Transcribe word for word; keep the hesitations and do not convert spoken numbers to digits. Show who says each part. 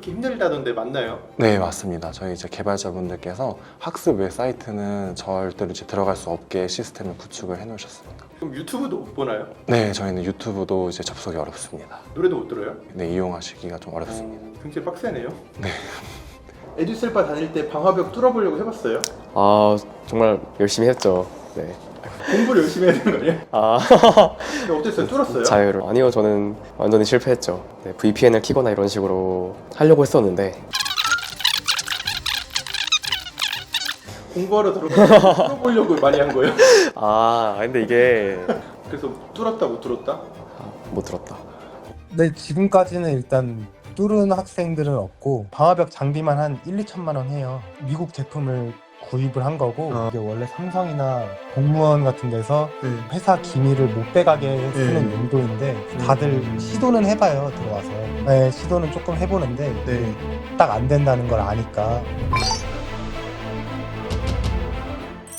Speaker 1: 그렇게 힘들다던데 맞나요?
Speaker 2: 네, 맞습니다. 저희 이제 개발자분들께서 학습 외 사이트는 절대로 이제 들어갈 수 없게 시스템을 구축을 해 놓으셨습니다.
Speaker 1: 그럼 유튜브도 못 보나요?
Speaker 2: 네, 저희는 유튜브도 이제 접속이 어렵습니다.
Speaker 1: 노래도 못 들어요?
Speaker 2: 네, 이용하시기가 좀 어렵습니다.
Speaker 1: 어, 굉장히 빡세네요.
Speaker 2: 네.
Speaker 1: 에듀셀바 다닐 때 방화벽 뚫어보려고 해봤어요?
Speaker 3: 아 정말 열심히 했죠. 네.
Speaker 1: 공부를 열심히 해야 되는 거 아니에요?
Speaker 3: 아
Speaker 1: 근데 어땠어요? 뚫었어요?
Speaker 3: 자유를 아니요 저는 완전히 실패했죠. 네, 브이피엔을 키거나 이런 식으로 하려고 했었는데
Speaker 1: 공부하러 들어가서 뚫어보려고 많이 한 거예요?
Speaker 3: 아 근데 이게
Speaker 1: 그래서 뚫었다 못 뚫었다?
Speaker 3: 아, 못 들었다.
Speaker 4: 네, 지금까지는 일단 뚫은 학생들은 없고 방화벽 장비만 한 일, 이천만 원 해요. 미국 제품을 구입을 한 거고
Speaker 5: 어.
Speaker 4: 이게 원래 삼성이나 공무원 같은 데서
Speaker 5: 네.
Speaker 4: 회사 기밀을 못 빼가게 쓰는
Speaker 5: 네.
Speaker 4: 용도인데 다들 시도는 해봐요 들어와서. 네, 시도는 조금 해보는데
Speaker 5: 네.
Speaker 4: 딱 안 된다는 걸 아니까